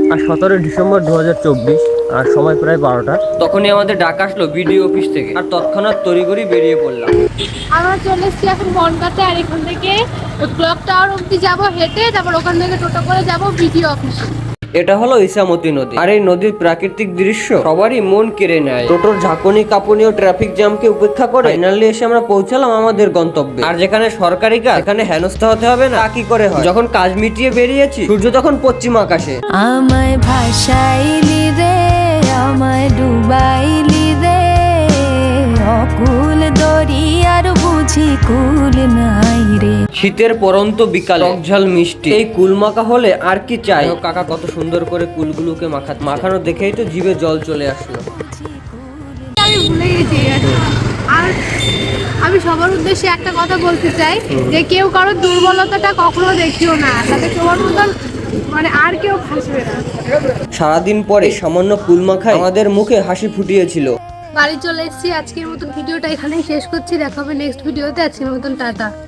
আর 17 December 2024 আর সময় প্রায় 12টা। তখনই আমাদের ডাক আসলো বিডিও অফিস থেকে, আর তৎক্ষণাৎ তড়িঘড়ি বেরিয়ে পড়লাম। আমরা চলে এসেছি এখন বনগাঁতে, আর এখান থেকে ক্লক টাওয়ার অবধি যাবো হেঁটে, তারপর ওখান থেকে টোটো করে যাবো বিডিও অফিসে। এটা হলো ইসামতি নদী, আর এই নদীর প্রাকৃতিক দৃশ্য সবারই মন কেড়ে নেয়। টোটোর ঝাঁকুনি কাঁপুনি ও ট্রাফিক জ্যামকে উপেক্ষা করে ফাইনালি এসে আমরা পৌঁছালাম আমাদের গন্তব্যে। আর যেখানে সরকারি কাজ, এখানে হেনস্থা হতে হবে না, তা কি করে হয়? যখন কাজ মিটিয়ে বেরিয়েছি, সূর্য তখন পশ্চিম আকাশে। আমায় ভাসাইলি রে, আমায় ডুবাইলি রে, অকুল দরিয়ার বুঝি কুল নাই রে। শীতের পরন্ত বিকালে টকঝাল মিষ্টি এই কুল মাখা হলে আর কি চাই। কাকা কত সুন্দর করে কুলগুলোকে মাখানো দেখেই তো জিভে জল চলে আসলো। আমি ভুলে গেছি। আর আমি সবার উদ্দেশ্যে একটা কথা বলতে চাই, যে কেউ কারোর দুর্বলতাটা কখনো দেখিও না, তাতে তোমার মতন মানে আর কেউ হাসবে না। সারাদিন পরে সামান্য কুল মাখায় আমাদের মুখে হাসি ফুটিয়েছিল। বাড়ি চলে এসেছি, আজকের মতন ভিডিওটা এখানেই শেষ করছি। দেখা হবে নেক্সট ভিডিওতে। আজকের মতন টাটা।